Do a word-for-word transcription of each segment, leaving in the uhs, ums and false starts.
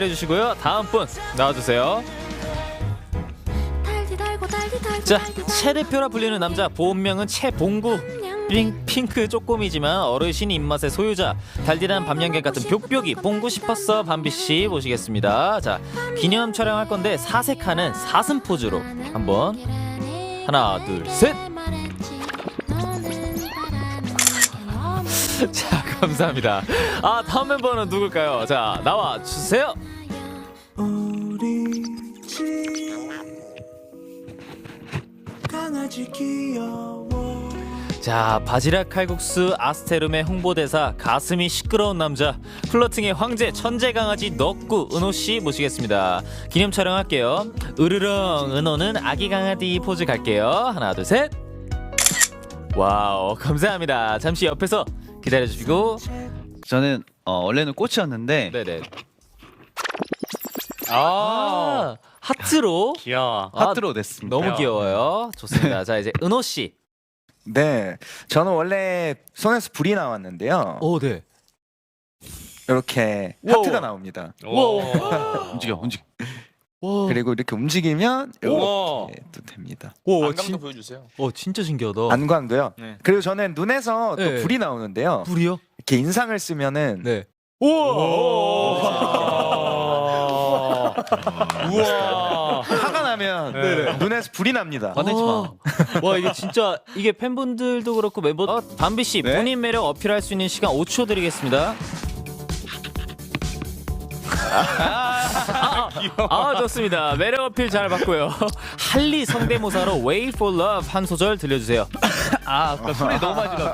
해주시고요. 다음 분 나와주세요. 자, 채 대표라 불리는 남자, 본명은 채봉구. 핑, 핑크 쪼꼬미지만 어르신 입맛의 소유자, 달달한 밤양갱 같은 벽벽이 봉구 싶었어 밤비씨 모시겠습니다. 자, 기념 촬영할 건데 사색하는 사슴 포즈로 한번 하나 둘 셋. 자, 감사합니다. 아, 다음 멤버는 누굴까요? 자, 나와 주세요. 우리 집 강아지 귀여워. 자, 바지락 칼국수 아스테룸의 홍보대사, 가슴이 시끄러운 남자, 플러팅의 황제, 천재 강아지 넉구 은호씨 모시겠습니다. 기념 촬영할게요. 으르렁 은호는 아기 강아지 포즈 갈게요. 하나 둘 셋. 와우, 감사합니다. 잠시 옆에서 기다려주시고. 저는 어, 원래는 꽃이었는데 네네. 아, 하트로. 귀여워. 아, 하트로 됐습니다. 너무 귀여워요. 좋습니다. 자, 이제 은호씨. 네, 저는 원래 손에서 불이 나왔는데요. 오, 네. 이렇게 우와. 하트가 나옵니다. 움직여 움직여. 와. 그리고 이렇게 움직이면 우와. 이렇게 또 됩니다. 오, 안감도 진, 보여주세요. 오, 진짜 신기하다. 안광도요. 네. 그리고 저는 눈에서 또 네. 불이 나오는데요. 불이요? 이렇게 인상을 쓰면은 네. 우와. 우와. 화가 나면 네. 눈에서 불이 납니다. 화내지 마. 와, 이게 진짜 이게 팬분들도 그렇고 멤버 어, 담비 씨 네? 본인 매력 어필할 수 있는 시간 오 초 드리겠습니다. 아, 아, 좋습니다. 매력 어필 잘 받고요. 할리 성대모사로 Wait for Love 한 소절 들려주세요. 아, 아까 소리 너무 많이 질렀.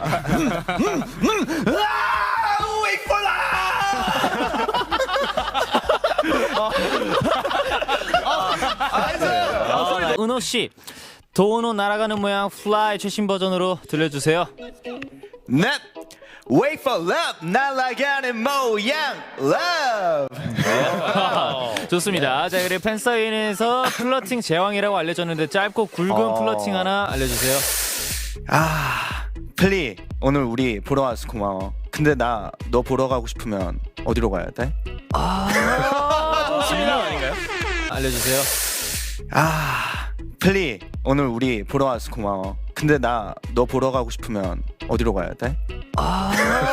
아, 은호 씨, 도은호 날아가는 모양 플라이 최신 버전으로 들려주세요. 넷, wait for love, 날아가는 모양, love. 좋습니다. 자, 그리고 팬사인회에서 플러팅 제왕이라고 알려졌는데 짧고 굵은 어. 플러팅 하나 알려주세요. 아, 플리, 오늘 우리 보러 와서 고마워. 근데 나 너 보러 가고 싶으면 어디로 가야 돼? 질문 아닌가요? 알려주세요. 아, 플리, 오늘 우리 보러 와서 고마워. 근데 나 너 보러 가고 싶으면 어디로 가야 돼? 아,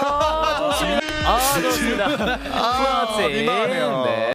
좋습니다. 플러팅. 민망하네요. 네.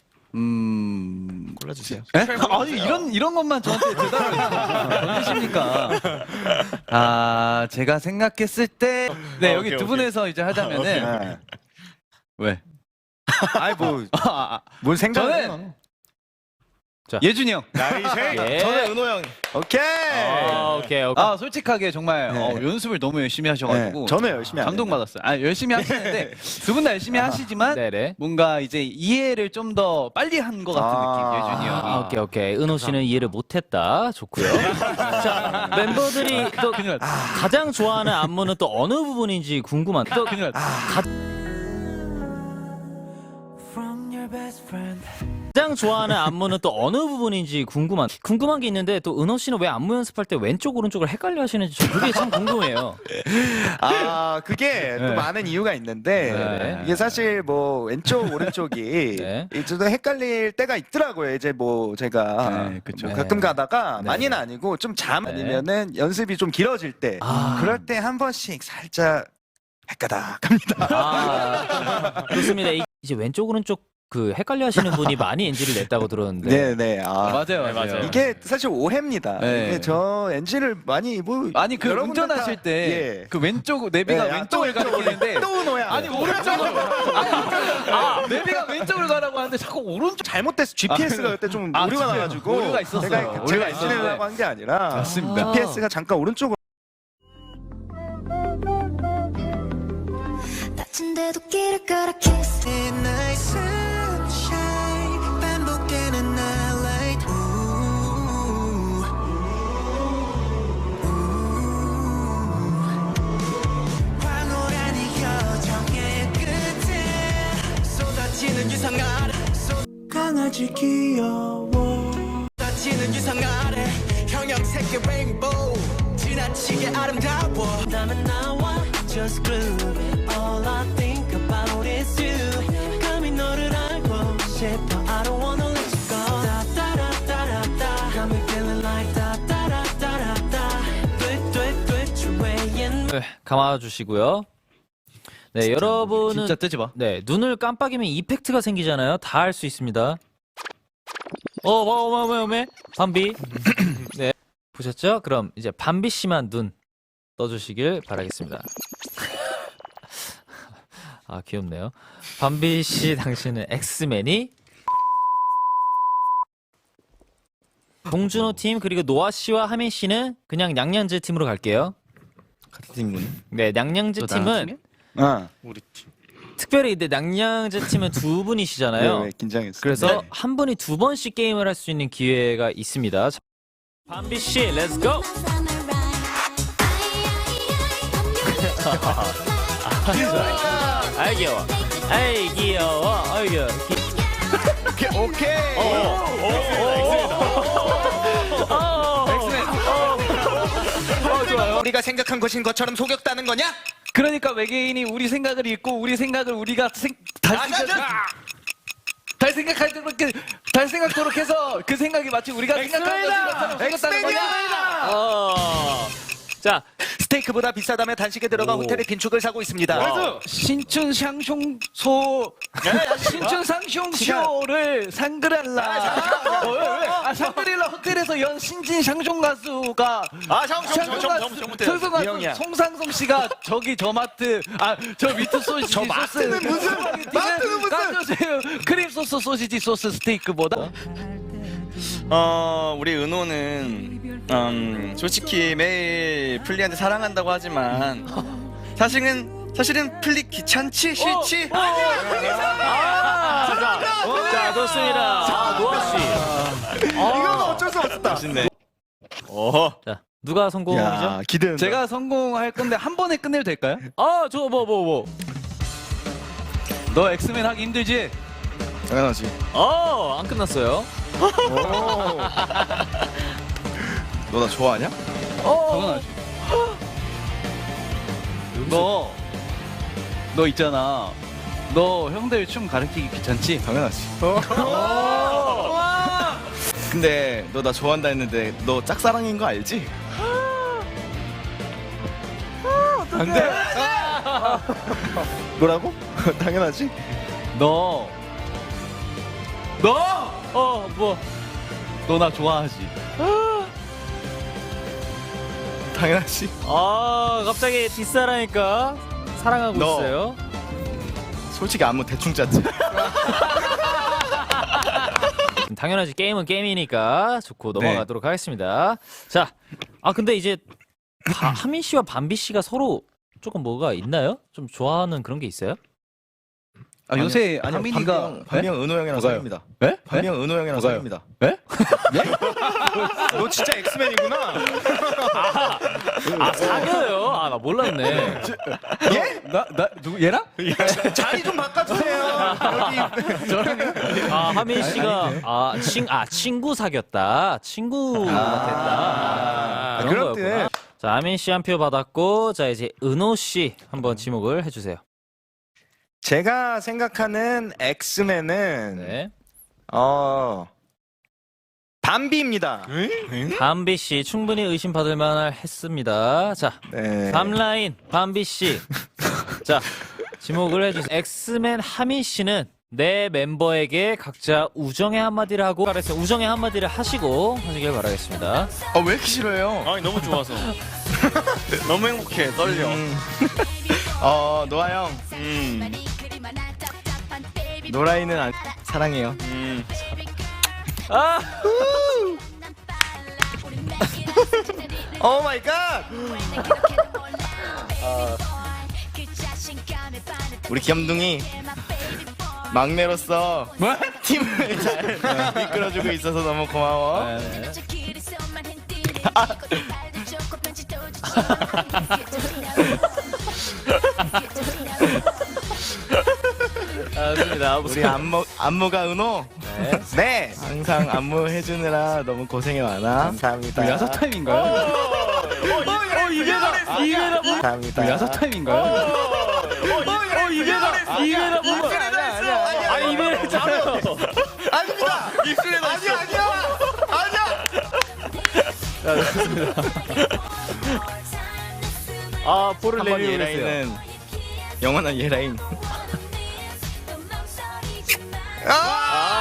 음. 골라주세요. 에? 아니 이런 이런 것만 저한테 대답을 해주십니까? 아 제가 생각했을 때, 네 어, 여기 오케이, 두 오케이. 분에서 이제 하자면은 네. 왜? 아이 뭐, 아, 아, 뭘 생각해? 저는 예준이 형. 나이스. 예. 저는 은호 형. 오케이. 아, 오케이, 오케이. 아 솔직하게 정말 네. 어, 연습을 너무 열심히 하셔가지고 네, 저는 열심히 안 해요. 감동받았어요. 아 열심히 하시는데 두 분 다 열심히 하시지만 네네. 뭔가 이제 이해를 좀 더 빨리 한 것 같은 아. 느낌. 예준이 형이. 아, 오케이, 오케이. 은호 씨는 이해를 못했다. 좋고요. 자, 멤버들이 또 큰일 났다. 가장 좋아하는 안무는 또 어느 부분인지 궁금한. 또 큰일 났다. From your best friend. 가장 좋아하는 안무는 또 어느 부분인지 궁금한. 궁금한 게 있는데 또 은호 씨는 왜 안무 연습할 때 왼쪽 오른쪽을 헷갈려 하시는지 저 그게 참 궁금해요. 아, 그게 또 네. 많은 이유가 있는데 네. 이게 사실 뭐 왼쪽 오른쪽이 네. 이제 또 헷갈릴 때가 있더라고요. 이제 뭐 제가 네, 그쵸. 뭐 가끔 가다가 네. 많이는 아니고 좀 잠 네. 아니면은 연습이 좀 길어질 때 아. 그럴 때 한 번씩 살짝 헷가닥 합니다. 아, 좋습니다. 이- 이제 왼쪽 오른쪽 그 헷갈려 하시는 분이 많이 엔지를 냈다고 들었는데. 네, 네. 아, 맞아요, 네, 맞아요. 맞아요. 이게 사실 오해입니다. 네. 이게 저 엔진을 많이 뭐 아니 그 여러분들 운전하실 다- 때 예. 그 왼쪽 내비가 네, 아, 또 왼쪽을 왼쪽으로 가리키는데 또 노야. 아니 오른쪽으로 아니 아, 내비가 왼쪽으로 가라고 하는데 자꾸 오른쪽. 잘못돼서 지피에스가 그때 좀 아, 오류가 진짜요? 나가지고 오류가 있었어요. 제가, 오류가 제가 있었는데. 엔진이라고 한 게 아니라 맞습니다. 지피에스가 잠깐 오른쪽으로 다친데도 길을 걸어 kiss Night sunshine 반복되는 nightlight. Ooh. Ooh. 황홀한 이 여정의 끝에 쏟아지는 유성 아래 강아지 귀여워. 쏟아지는 유성 아래 형형색의 레인보우 지나치게 아름다워. 다음엔 나와 just groove. All I think about is you. 감히 너를 알고 싶어 I don't wanna let you go da da da da da da got me feeling like da da da da da da 돼, 돼, 돼, 네, 감아주시고요. 네, 여러분은 진짜 뜨지 마. 네, 눈을 깜빡이면 이펙트가 생기잖아요. 다 할 수 있습니다. 어, 어머, 어머, 어머, 어머, 밤비. 네, 보셨죠? 그럼 이제 밤비 씨만 눈 떠주시길 바라겠습니다. 아, 귀엽네요. 밤비 씨, 당신은 엑스맨이 봉준호 팀 그리고 노아 씨와 하민 씨는 그냥 냥냥즈 팀으로 갈게요. 같은 팀이군. 네, 냥냥즈 팀은 어. 특별히 근데 냥냥즈 팀은 두 분이시잖아요. 왜, 왜 긴장했어? 그래서 네. 한 분이 두 번씩 게임을 할 수 있는 기회가 있습니다. 자, 밤비 씨, 렛츠 고! 아이 귀여워. 아이 귀여워. 아이 귀여워. 기... 오케이. 오케이. 어, 좋아요. 우리가 생각한 것인 것처럼 속였다는 거냐? 그러니까 외계인이 우리 생각을 읽고 우리 생각을 우리가 생, 달 아, 생각 자, 자. 달 생각하도록 달 생각도록 해서 그 생각이 마치 우리가 생각한 것인 것처럼 속였다는 거냐? 어. 자, 스테이크보다 비싸다며 단식에 들어가 오. 호텔에 빈축을 사고 있습니다. 신춘 샹숑소 신춘 샹숑쇼를 상그랄라 어, 왜, 왜? 아 상그릴라 호텔에서 연 신진 샹숑 가수가 아, 형, 형, 형, 형, 형, 형, 샹숑 이 형이야. 가수 송상송 씨가 저기 저 마트 아 저 미트 소시지 저 마트는 무슨- 마트는 무슨- 까주세요 크림 소스 소시지 소스 스테이크보다 어 우리 은호는 음, 솔직히 매일 플리한테 사랑한다고 하지만 사실은 사실은 플리 귀찮지 싫지 아, 자, 자, 좋습니다. 아, 노아 씨. 이건 어쩔 수 없었다. 멋있네. 자, 누가 성공이죠? 야, 기대. 제가 성공할 건데 한 번에 끝내도 될까요? 아, 저 뭐 뭐 뭐. 너 엑스맨 하기 힘들지? 당연하지. 어, 안 끝났어요. 너 나 좋아하냐? 당연하지. 너, 너 있잖아. 너 형들 춤 가르치기 귀찮지? 당연하지. 근데 너 나 좋아한다 했는데 너 짝사랑인 거 알지? 안돼. 뭐라고? 당연하지. 너, 너, 어, 뭐. 너 나 좋아하지? 당연하지. 아, 갑자기 뒷사랑이니까 사랑하고 너. 있어요. 솔직히 안무 대충 짰지. 당연하지. 게임은 게임이니까 좋고 넘어가도록 하겠습니다. 자, 아 근데 이제 바, 하민 씨와 밤비 씨가 서로 조금 뭐가 있나요? 좀 좋아하는 그런 게 있어요? 아, 요새 아니요, 하민이가 반비 형 은호 형이랑 사귀입니다. 네? 반비 형 은호 형이랑 사귀입니다. 너 진짜 엑스맨이구나. 아, 사겨요? 아, 나 몰랐네. 예? 나, 나, 누구, 얘랑? 자리 좀 바꿔주세요. 여기. 아, 하민 씨가 아, 친, 아 친구 사귀었다. 친구가 됐다. 아, 그런 그럴 때. 거였구나. 자, 하민 씨 한 표 받았고, 자 이제 은호 씨 한번 지목을 해주세요. 제가 생각하는 엑스맨은 네. 어 밤비입니다. 밤비 씨 충분히 의심받을 만할 했습니다. 자, 네. 다음 라인 밤비 씨. 자, 지목을 해주세요. 엑스맨 하민 씨는 내 멤버에게 각자 우정의 한마디를 하고 바랬어요. 우정의 한마디를 하시고 하시길 바라겠습니다. 아 왜 이렇게 싫어해요? 아니 너무 좋아서. 너무 행복해 떨려. 어 노아 형. 음. 노라이는 안, 사랑해요. 음. 아, 오 마이 갓. 우리 귀염둥이 막내로서 팀을 잘 이끌어주고 있어서 너무 고마워. 아, 좋습니다. 우리 안무 안무가 은호. 네. 네. 항상 안무 해주느라 너무 고생이 많아. 감사합니다. 야사 타임인가요? 어, 이게다, 이게다, 뭐, 감사합니다. 야사 타임인가요? 어, 이게다, 이게다, 뭐. 아, 이베레 아닙니다. 입술에 넣어. 아니야 아니야 아니야. 아 볼을 한번 내밀고 있어요. 예라인은 영원한 예라인. 아!